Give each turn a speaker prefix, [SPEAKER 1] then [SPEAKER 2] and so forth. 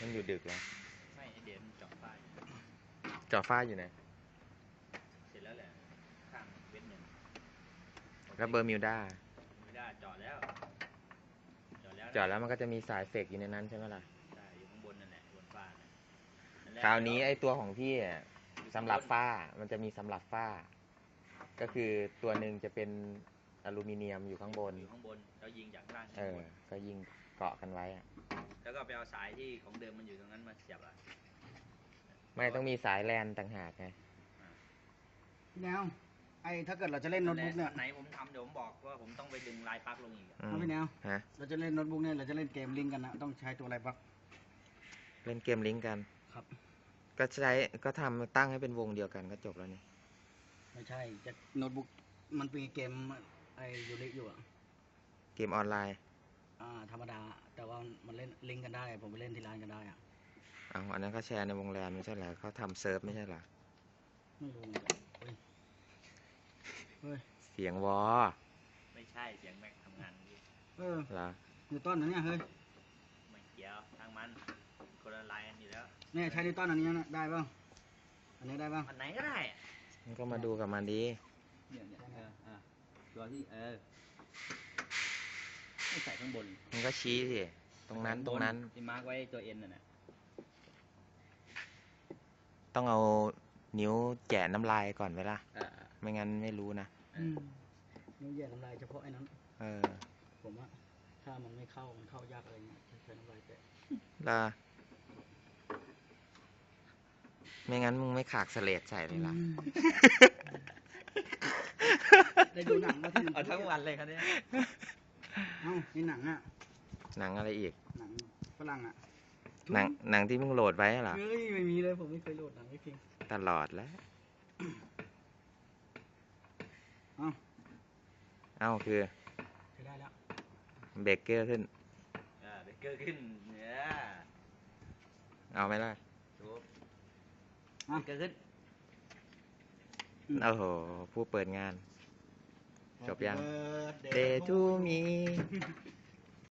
[SPEAKER 1] มันอยู่ดึกแล้ว
[SPEAKER 2] ไม่เดี๋ยวมันเจาะฝ้าย
[SPEAKER 1] จอฟ้าอยู่ไหน
[SPEAKER 2] เสร็จแล้วแหละข้างเว้นหนึ่ง
[SPEAKER 1] แล้วเบอร์มิวด้า
[SPEAKER 2] ไม่ได้เจาะแล้ว
[SPEAKER 1] มันก็จะมีสายเฟกอยู่ในนั้นใช่ไหมล่ะ
[SPEAKER 2] ใช่อยู่ข้างบนนั่นแหละบนฝ้านั่น
[SPEAKER 1] คราวนี้ไอตัวของพี่สำหรับฝ้ามันจะมีสำหรับฝ้าก็คือตัวหนึ่งจะเป็นอลูมิเนียมอยู่ข้างบน
[SPEAKER 2] แล้วยิงจากล่าง
[SPEAKER 1] ก็ยิงเกาะกันไว้
[SPEAKER 2] แล้วก็ไปเอาสายที่ของเดิมมันอยู่ตรงนั้นมาเสียบ
[SPEAKER 1] ไม่ต้องมีสายแลนต่างหากไง
[SPEAKER 3] แนวไอ้ถ้าเกิดเราจะเล่นโน้ตบุ๊กเนี่ย
[SPEAKER 2] ไหนผมทำเดี๋ยวผมบอกว่าผมต้องไปดึงลายปลั๊กลงอีก
[SPEAKER 3] พี่แนวเราจะเล่นโน้ตบุ๊กเนี่ยเราจะเล่นเกมลิงก์กันนะต้องใช้ตัวอะไรปะ
[SPEAKER 1] เล่นเกมลิงก์กัน
[SPEAKER 3] ครับ
[SPEAKER 1] ก็ทำตั้งให้เป็นวงเดียวกันก็จบแล้วนี่
[SPEAKER 3] ไม่ใช่จะโน้ตบุ๊กมันเป็นเกมไอ้ยูริอยู่อะ
[SPEAKER 1] เกมออนไลน์
[SPEAKER 3] ธรรมดาแต่ว่ามันเล่นลิงก์กันได้ผมไปเล่นที่ร้านกันได้
[SPEAKER 1] อันนั้นเขาแชร์ในวงแรมไม่ใช่เหรอเขาทำเซิร์ฟไม่ใช่เหรอ
[SPEAKER 3] ไม่รู้เฮ้ย
[SPEAKER 1] เสียงวอ
[SPEAKER 2] ไม่ใช่เสียงแม็กทำงาน
[SPEAKER 1] เหรอ
[SPEAKER 3] นิวตันนะเนี่ยเฮ้ย
[SPEAKER 2] ไม่เกี่ยวทางมันคนละลายกันอยู่แล้ว
[SPEAKER 3] เนี่ยใช้นิวตันอันนี้นะได้ป่ะอันนี้ได้ป่ะ
[SPEAKER 2] อันไหนก็ได้
[SPEAKER 1] มันก็มาดูกับมันดี
[SPEAKER 2] เนี่ยตัวที่ไม่ใส่ข้างบน
[SPEAKER 1] มันก็ชี้สิตรงนั้น
[SPEAKER 2] ที่มาร์กไว้ตัวเอ็นน่ะ
[SPEAKER 1] ต้องเอานิ้วแกะน้ำลายก่อนไว้ล่ะไม่งั้นไม่รู้นะ
[SPEAKER 3] นิ้วแกะน้ำลายเฉพาะไอ้นั้นผมว่าถ้ามันไม่เข้ามันเข้ายากอะไรเงี้ยใช้น้ำลายแกะ
[SPEAKER 1] ล่ะไม่งั้นมึงไม่ขากเสลดใส่เลยล่ะ
[SPEAKER 3] ได้ดูหนังมาที่
[SPEAKER 2] ทั้งวันเลยครับเนี่ย
[SPEAKER 3] นี่หนัง
[SPEAKER 1] หนังอะไรอีก
[SPEAKER 3] หนังฝรั่ง
[SPEAKER 1] หนังที่มึงโหลดไว้เหรอ
[SPEAKER 3] เฮ้ยไม่มีเลยผมไม่เคยโหลดหนังไม่จริง
[SPEAKER 1] ตลอดแล้วคือ
[SPEAKER 3] ใช้ได้แล้ว
[SPEAKER 1] เบรกเกอร์ขึ้น
[SPEAKER 2] เบรกเกอร์ขึ้นเนี่ย
[SPEAKER 1] เอาไหมล่ะ
[SPEAKER 2] เบรกเกอร์ขึ้น
[SPEAKER 1] โอ้โหผู้เปิดงานจบยัง Day to me